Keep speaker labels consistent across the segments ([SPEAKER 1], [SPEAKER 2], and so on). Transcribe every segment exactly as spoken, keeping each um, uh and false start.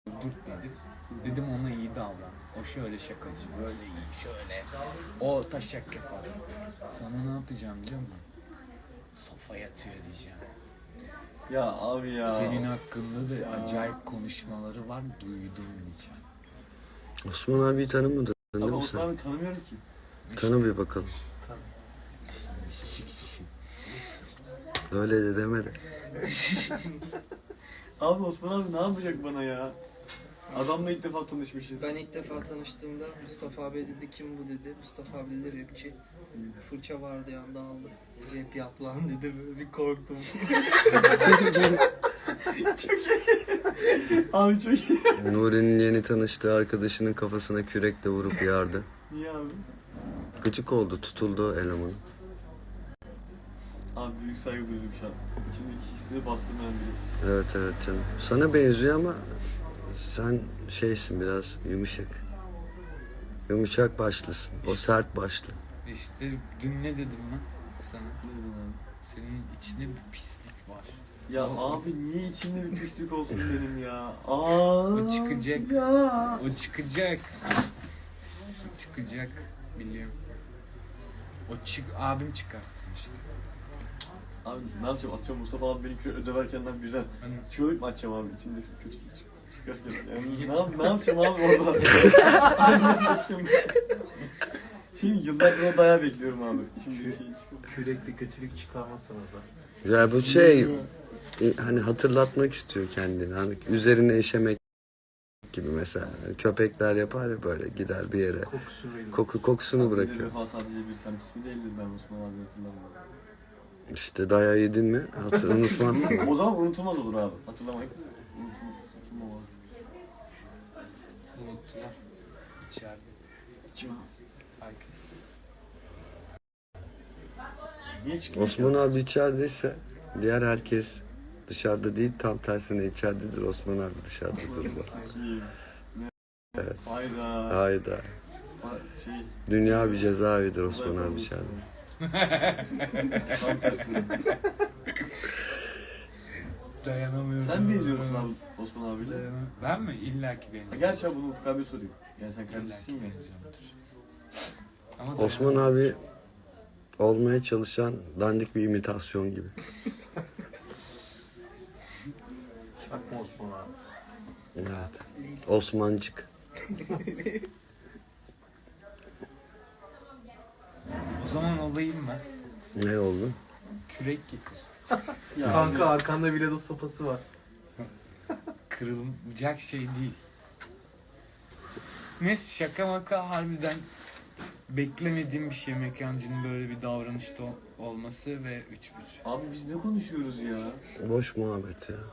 [SPEAKER 1] dur dedim. Dedim ona iyi davran. O şöyle şakacı, böyle iyi, şöyle. O taşak yapar. Sana ne yapacağım biliyor musun? Sofa yatıyor diyeceğim.
[SPEAKER 2] Ya abi ya.
[SPEAKER 1] Senin hakkında da acayip konuşmaları var, duydum diyeceğim.
[SPEAKER 3] Osman abiyi tanımadın değil
[SPEAKER 2] Abi
[SPEAKER 3] mi
[SPEAKER 2] Osman
[SPEAKER 3] sen?
[SPEAKER 2] abi tanımıyorum ki.
[SPEAKER 3] Tanı bir bakalım.
[SPEAKER 1] Siksin.
[SPEAKER 3] Öyle de demedi.
[SPEAKER 2] Abi Osman abi ne yapacak bana ya? Adamla ilk defa tanışmışız.
[SPEAKER 4] Ben ilk defa tanıştığımda Mustafa abi dedi kim bu dedi. Mustafa abi dedi rapçi. Fırça vardı yanında aldı. Rap yap lan dedi böyle bir korktum.
[SPEAKER 2] Çok iyi. Abi çok iyi.
[SPEAKER 3] Nuri'nin yeni tanıştığı arkadaşının kafasına kürekle vurup yardı.
[SPEAKER 2] Niye abi?
[SPEAKER 3] Gıcık oldu, tutuldu o elemanı.
[SPEAKER 2] Abi büyük saygı duydum şu an. İçindeki hisleri bastırmayan biri.
[SPEAKER 3] Evet evet canım. Sana benziyor ama sen şeysin biraz yumuşak. Yumuşak başlısın. O sert başlı.
[SPEAKER 1] İşte dün ne dedim ben sana?
[SPEAKER 2] Ne dedin abi?
[SPEAKER 1] Senin içinde bir pislik var.
[SPEAKER 2] Ya
[SPEAKER 1] O-
[SPEAKER 2] abi niye içimde bir pislik olsun benim ya? Aa.
[SPEAKER 1] O çıkacak.
[SPEAKER 2] Ya.
[SPEAKER 1] O çıkacak. O çıkacak. Biliyorum. O çık abim çıkarsın işte.
[SPEAKER 2] Abi ne yapacağım? Atıyorum Mustafa abi beni kilo döverken ben birden
[SPEAKER 1] Hani
[SPEAKER 2] çığlık mı atacağım abi içimdeki kötülük çık- çıkarken? Yani ne, yap- ne yapacağım abi orada? Şimdi yıllardır o dayağı bekliyorum abi. İçimdeki şey çıkıyor.
[SPEAKER 5] Kürekli kötülük çıkarmazsanız da.
[SPEAKER 3] Ya bu şey e, hani hatırlatmak istiyor kendini. Hani üzerine işemek gibi mesela. Köpekler yapar ya böyle gider bir yere.
[SPEAKER 5] Kokusunu verin.
[SPEAKER 3] Koku kokusunu
[SPEAKER 2] Bir de
[SPEAKER 3] bırakıyor.
[SPEAKER 2] defa sadece bir sen ismi değildi ben Osman abi hatırlamıyorum.
[SPEAKER 3] İşte dayağı yedin mi hatır unutmazsın.
[SPEAKER 2] O zaman unutulmaz olur abi. Hatırlamayıp unutulmaz.
[SPEAKER 1] unuttular. İçeride.
[SPEAKER 2] Kim?
[SPEAKER 1] Herkes.
[SPEAKER 2] Niye çıkıyor?
[SPEAKER 3] Osman abi içerideyse diğer herkes dışarıda değil, tam tersine içeridedir. Osman abi dışarıdadır. bu.
[SPEAKER 2] Kim? Ne?
[SPEAKER 3] Evet.
[SPEAKER 2] Hayda.
[SPEAKER 3] Hayda.
[SPEAKER 2] Ha, şey.
[SPEAKER 3] Dünya bir cezaevidir Osman abi içeride.
[SPEAKER 2] Tam tersine.
[SPEAKER 1] Dayanamıyorum.
[SPEAKER 2] Sen mi izliyorsun abi Osman abiyle?
[SPEAKER 1] Dayanam- Ben mi? İlla ki benziyorum.
[SPEAKER 2] Gerçi abi bunu Ufuk abi soruyor. Yani sen
[SPEAKER 1] İlla
[SPEAKER 2] kardeşsin
[SPEAKER 1] ki
[SPEAKER 2] ya.
[SPEAKER 1] benziyorumdur. Ama
[SPEAKER 3] Osman
[SPEAKER 1] dayanamıyorum.
[SPEAKER 3] abi olmaya çalışan dandik bir imitasyon gibi.
[SPEAKER 5] Çakma Osman abi.
[SPEAKER 3] Evet. Osmancık.
[SPEAKER 1] O zaman olayım ben.
[SPEAKER 3] Ne oldu?
[SPEAKER 1] Kürek getir.
[SPEAKER 2] Ya
[SPEAKER 5] Kanka arkanda bile sopası var.
[SPEAKER 1] Kırılacak şey değil. Neyse şaka maka harbiden beklemediğim bir şey mekancının böyle bir davranışta ol- olması ve üç bir.
[SPEAKER 2] Abi biz ne konuşuyoruz ya?
[SPEAKER 3] Boş muhabbet ya.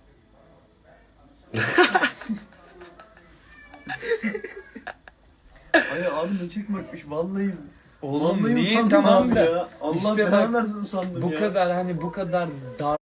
[SPEAKER 2] Ay abi ne çekmekmiş vallahi.
[SPEAKER 1] Oğlum
[SPEAKER 2] vallahi
[SPEAKER 1] niye
[SPEAKER 2] usandım
[SPEAKER 1] tamam
[SPEAKER 2] abi
[SPEAKER 1] da
[SPEAKER 2] ya. Allah
[SPEAKER 1] işte
[SPEAKER 2] belanı
[SPEAKER 1] bak,
[SPEAKER 2] versin usandım
[SPEAKER 1] bu
[SPEAKER 2] ya.
[SPEAKER 1] kadar hani bu kadar dar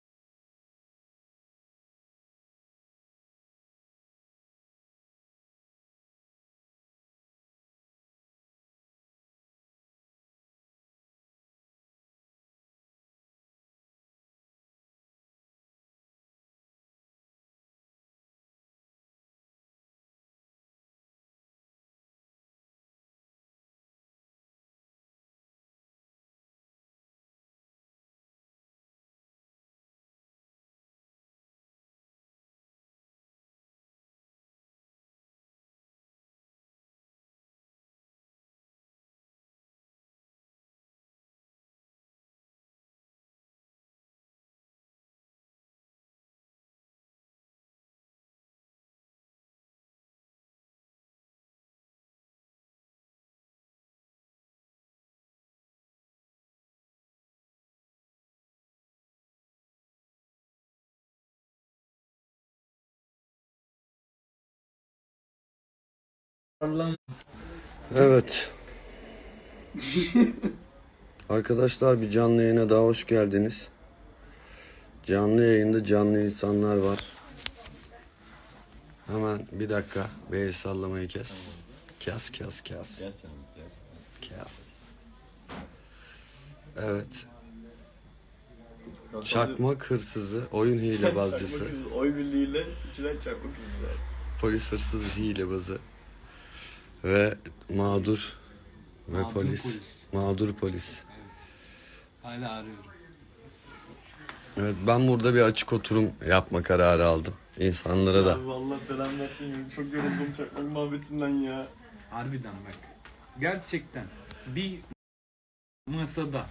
[SPEAKER 1] Allah'ım.
[SPEAKER 3] Evet. Arkadaşlar bir canlı yayına daha hoş geldiniz. Canlı yayında canlı insanlar var. Hemen bir dakika bir el sallamayı kes. Kes kes kes. Kes. Evet. Çakmak hırsızı, oyun hilebazcısı.
[SPEAKER 2] Oy birliğiyle içinden çakmak yüzüler.
[SPEAKER 3] polis hırsız hilebazı ve mağdur ve
[SPEAKER 1] Mağdur
[SPEAKER 3] polis.
[SPEAKER 1] polis.
[SPEAKER 3] Mağdur polis.
[SPEAKER 1] Hala arıyorum.
[SPEAKER 3] Evet, ben burada bir açık oturum yapma kararı aldım. İnsanlara da.
[SPEAKER 2] Abi vallahi belamı versin. Çok yoruldum çakmak muhabbetinden ya.
[SPEAKER 1] Harbiden bak. Gerçekten bir masada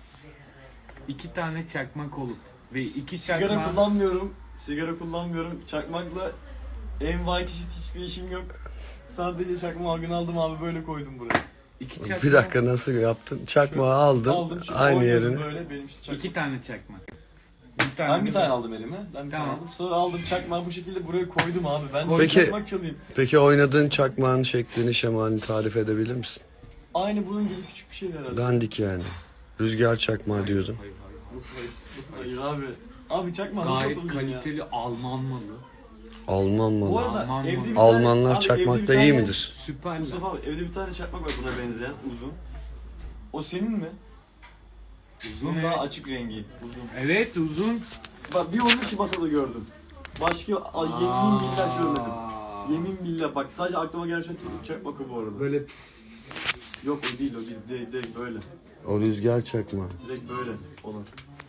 [SPEAKER 1] iki tane çakmak olup ve iki
[SPEAKER 2] Sigara
[SPEAKER 1] çakmak
[SPEAKER 2] kullanmıyorum. Sigara kullanmıyorum. Çakmakla envai çeşit hiçbir işim yok. Sadece çakmağı gün aldım abi böyle koydum buraya.
[SPEAKER 1] iki çakmak
[SPEAKER 3] Bir dakika nasıl yaptın? Çakmağı aldın.
[SPEAKER 2] Aldım şu
[SPEAKER 3] Aynı
[SPEAKER 2] koydum
[SPEAKER 3] yerine.
[SPEAKER 2] böyle benim işte çakmak.
[SPEAKER 1] iki tane çakmak. Bir tane
[SPEAKER 2] Ben bir
[SPEAKER 1] de
[SPEAKER 2] tane
[SPEAKER 1] ben.
[SPEAKER 2] aldım elime. Ben bir
[SPEAKER 1] Tamam.
[SPEAKER 2] tane aldım. Sonra aldım çakmağı bu şekilde buraya koydum abi. Ben de
[SPEAKER 3] Peki-
[SPEAKER 2] çakmak çalayım.
[SPEAKER 3] Peki oynadığın çakmağın şeklini, şemalini tarif edebilir misin?
[SPEAKER 2] Aynı bunun gibi küçük bir şeydi herhalde.
[SPEAKER 3] Dandik yani. Rüzgar çakmağı diyordun.
[SPEAKER 1] Hayır, hayır, hayır.
[SPEAKER 2] Nasıl hayır? Nasıl hayır abi? Abi çakmağı nasıl
[SPEAKER 1] Gayet
[SPEAKER 2] atılıyor ya?
[SPEAKER 1] kaliteli Alman malı.
[SPEAKER 3] Alman
[SPEAKER 2] Bu
[SPEAKER 3] malı.
[SPEAKER 2] arada
[SPEAKER 1] Alman
[SPEAKER 2] evde
[SPEAKER 1] malı.
[SPEAKER 2] bir tane...
[SPEAKER 3] Almanlar
[SPEAKER 2] abi evde bir
[SPEAKER 3] çakmakta
[SPEAKER 2] tane-
[SPEAKER 3] iyi midir?
[SPEAKER 1] Süperler.
[SPEAKER 2] Mustafa abi evde bir tane çakmak var buna benzeyen uzun. O senin mi?
[SPEAKER 1] Uzun
[SPEAKER 2] Bunun
[SPEAKER 1] evet.
[SPEAKER 2] daha açık rengi. Uzun.
[SPEAKER 1] Evet uzun.
[SPEAKER 2] Bak bir onun şu masada gördüm. Başka a, yemin billah görmedim.
[SPEAKER 1] Aa.
[SPEAKER 2] Yemin billah bak sadece aklıma gelen şey çakmak o bu arada.
[SPEAKER 1] Böyle pis.
[SPEAKER 2] Yok o değil o değil direkt, direkt böyle.
[SPEAKER 3] O rüzgar çakmağı.
[SPEAKER 2] Direkt böyle olan.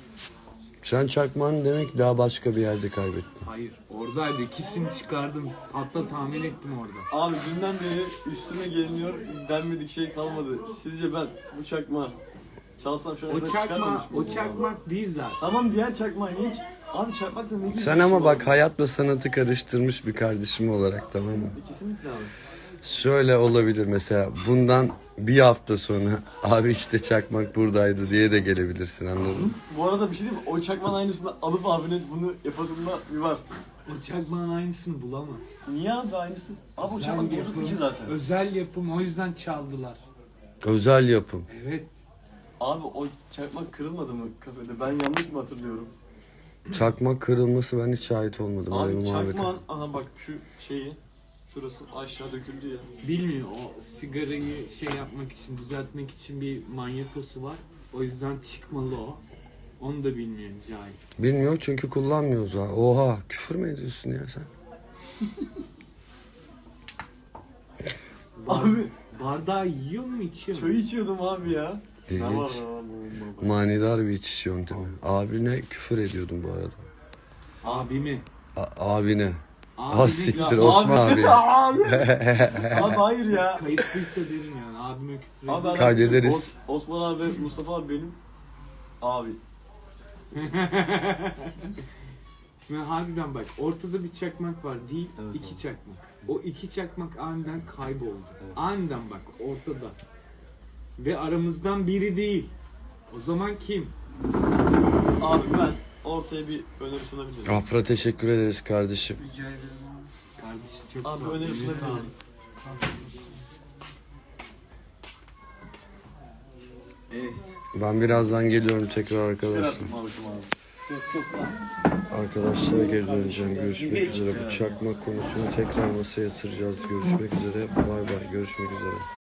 [SPEAKER 3] Sen çakmağını demek daha başka bir yerde kaybettin.
[SPEAKER 1] Hayır oradaydı. İkisini çıkardım. Hatta tahmin ettim orada.
[SPEAKER 2] Abi dünden beri üstüme geliniyor denmedik şey kalmadı. Sizce ben bu çakmağı çalsam şu
[SPEAKER 1] O
[SPEAKER 2] anda
[SPEAKER 1] çakma,
[SPEAKER 2] çıkarmamış
[SPEAKER 1] o
[SPEAKER 2] mıyım?
[SPEAKER 1] çakmak değil zaten.
[SPEAKER 2] Tamam diğer çakmağı niye ç- Abi çakmakla ne gibi
[SPEAKER 3] Sen
[SPEAKER 2] bir
[SPEAKER 3] ama
[SPEAKER 2] şey
[SPEAKER 3] bak
[SPEAKER 2] var?
[SPEAKER 3] hayatla sanatı karıştırmış bir kardeşim olarak, tamam mı?
[SPEAKER 2] Kesinlikle abi.
[SPEAKER 3] Şöyle olabilir mesela, bundan bir hafta sonra abi işte çakmak buradaydı diye de gelebilirsin, anladın mı?
[SPEAKER 2] Bu arada bir şey diyeyim mi? O çakmağın aynısını alıp abinin bunu yapasında bir var.
[SPEAKER 1] O çakmağın aynısını bulamaz.
[SPEAKER 2] Niye abi aynısı? Abi o çakmak
[SPEAKER 1] Özel
[SPEAKER 2] bozuk
[SPEAKER 1] yapım,
[SPEAKER 2] iki zaten.
[SPEAKER 1] Özel yapım o yüzden çaldılar.
[SPEAKER 3] Özel yapım.
[SPEAKER 1] Evet.
[SPEAKER 2] Abi o çakmak kırılmadı mı kafede? Ben yanlış mı hatırlıyorum?
[SPEAKER 3] Çakmak kırılması ben hiç şahit olmadım öyle
[SPEAKER 2] Abi
[SPEAKER 3] bir muhabbete.
[SPEAKER 2] çakmağın, aha bak şu şeyi, şurası aşağı döküldü ya.
[SPEAKER 1] Bilmiyor o sigarayı şey yapmak için, düzeltmek için bir manyetosu var. O yüzden çıkmalı o. Onu da bilmiyor cahil.
[SPEAKER 3] Bilmiyor çünkü kullanmıyoruz ha. Oha, küfür mü ediyorsun ya sen?
[SPEAKER 2] Abi
[SPEAKER 1] Bardağı yiyor mu içiyor mu?
[SPEAKER 2] çay içiyordum abi ya. Ne var
[SPEAKER 3] İlginç.
[SPEAKER 2] lan bu?
[SPEAKER 3] Manidar bir içiş yöntemi. Abine küfür ediyordum bu arada.
[SPEAKER 1] Abimi.
[SPEAKER 3] A- abine.
[SPEAKER 1] Abimi
[SPEAKER 3] Ah siktir
[SPEAKER 2] Ya
[SPEAKER 3] Osman abi.
[SPEAKER 2] abi. Abi hayır ya.
[SPEAKER 1] kayıtlıysa derim yani. Abime küfür
[SPEAKER 2] Abi
[SPEAKER 1] ediyor.
[SPEAKER 2] ben-
[SPEAKER 3] Kaydederiz.
[SPEAKER 2] Os- Osman abi, Mustafa abi benim. Abi.
[SPEAKER 1] Şimdi harbiden bak ortada bir çakmak var değil
[SPEAKER 2] Evet,
[SPEAKER 1] iki
[SPEAKER 2] abi.
[SPEAKER 1] çakmak. O iki çakmak aniden kayboldu.
[SPEAKER 2] Evet.
[SPEAKER 1] Aniden bak ortada. Ve aramızdan biri değil. O zaman kim?
[SPEAKER 2] Abi ben ortaya bir öneri sunabilirim.
[SPEAKER 3] Afra teşekkür ederiz kardeşim.
[SPEAKER 4] Rica ederim abi.
[SPEAKER 1] Kardeşim çok
[SPEAKER 2] Abi
[SPEAKER 1] sağ ol.
[SPEAKER 2] öneri
[SPEAKER 1] Eline
[SPEAKER 2] sunabilirim.
[SPEAKER 1] sağlık. Evet.
[SPEAKER 3] Ben birazdan geliyorum tekrar
[SPEAKER 2] Gel
[SPEAKER 3] arkadaşlar.
[SPEAKER 2] artık Mahmut'um abi.
[SPEAKER 3] Arkadaşlara geri döneceğim. Görüşmek üzere. Bu çakmak konusunu tekrar masaya yatıracağız. Görüşmek üzere. Bay bay. Görüşmek üzere.